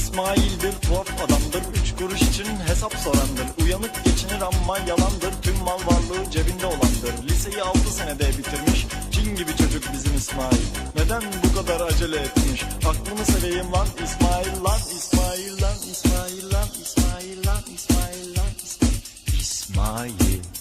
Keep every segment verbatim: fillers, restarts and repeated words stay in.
İsmail'dir, tuhaf adamdır, üç kuruş için hesap sorandır. Uyanık geçinir ama yalandır, tüm mal varlığı cebinde olandır. Liseyi altı senede bitirmiş, cin gibi çocuk bizim İsmail. Neden bu kadar acele etmiş? Aklımı seveyim lan İsmail, lan İsmail, lan İsmail, lan İsmail, lan İsmail, lan İsmail.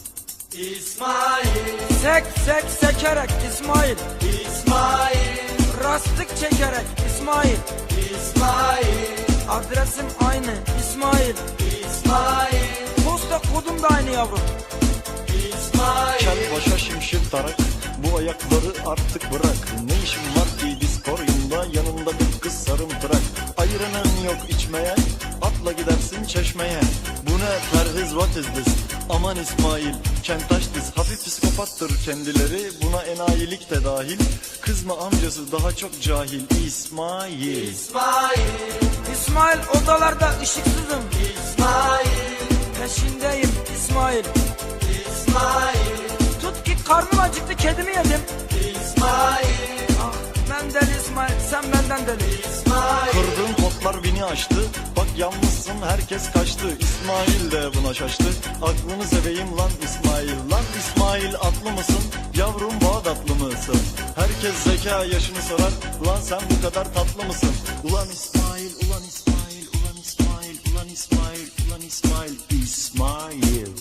İsmail, Sek sek sekerek İsmail, İsmail, rastlık çekerek İsmail, İsmail, adresim aynı İsmail, İsmail, posta kodum da aynı yavrum. İsmail, Kel başa şimşir tarak, bu ayakları artık bırak. Ne işin var ki diskoryumda, yanında bir kız sarımtırak. Ayıranın yok içmeye, atla gidersin çeşmeye. Bu ne perhiz, what is this? Aman İsmail, kentaş diz, hafif psikopattır kendileri. Buna enayilik de dahil, kızma amcası daha çok cahil. İsmail, İsmail, İsmail odalarda ışıksızım, İsmail, peşindeyim İsmail. İsmail, Tut ki karnım acıktı, kedimi yedim. İsmail, Ah ben deli İsmail, sen benden deli. İsmail, kırdığın potlar bini aştı. Bak yalnızsın, herkes kaçtı. İsmail de buna şaştı. Aklını seveyim lan İsmail. Lan İsmail, atlı mısın? Yavrum Bağdatlı mısın? Herkes zeka yaşını sorar. Ulan sen bu kadar tatlı mısın? Ulan İsmail, ulan İsmail, ulan İsmail, ulan İsmail, ulan İsmail, İsmail.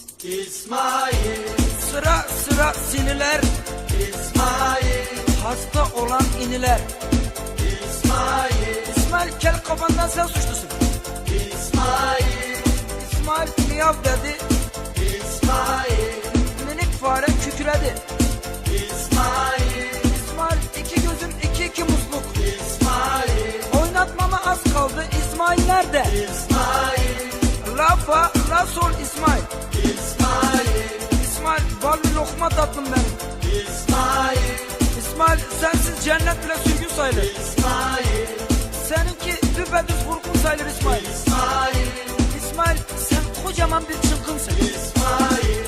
İsmail, Sıra sıra sinirler, İsmail, hasta olan iniler. İsmail, İsmail kel kafandan sen suçlusun. İsmail, İsmail miyav dedi, İsmail, minik fare kükredi. İsmail, İsmail iki gözüm iki iki musluk. İsmail, Oynatmama az kaldı, İsmail nerede? İsmail, La fa la sol İsmail. İsmail, İsmail ballı lokma tatlım benim. İsmail, İsmail sensiz cennet bile sürgün sayılır. İsmail, Seninki düpedüz vurgun sayılır İsmail. İsmail, İsmail sen kocaman bir çılgınsın. İsmail,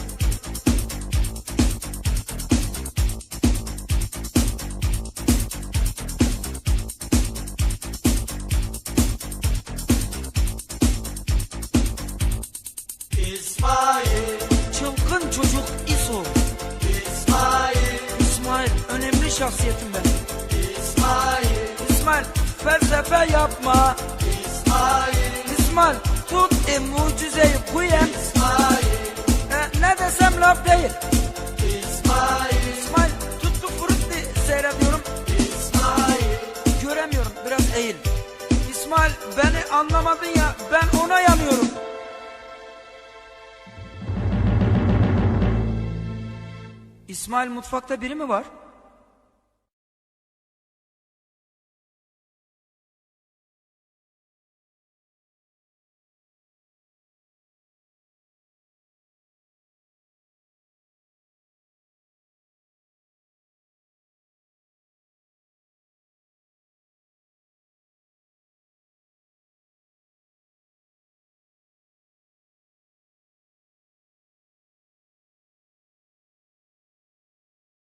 İsmail, Çılgın çocuk İso. İsmail, İsmail önemli şahsiyetim benim. İsmail, İsmail felsefe yapma. İsmail, İsmail tut e mucizeyi kuyen. İsmail, E, ne desem laf değil. İsmail, İsmail tuttu frutti seyrediyorum. İsmail, Göremiyorum, biraz eğil. İsmail beni anlamadın ya, ben ona yanıyorum. İsmail mutfakta biri mi var?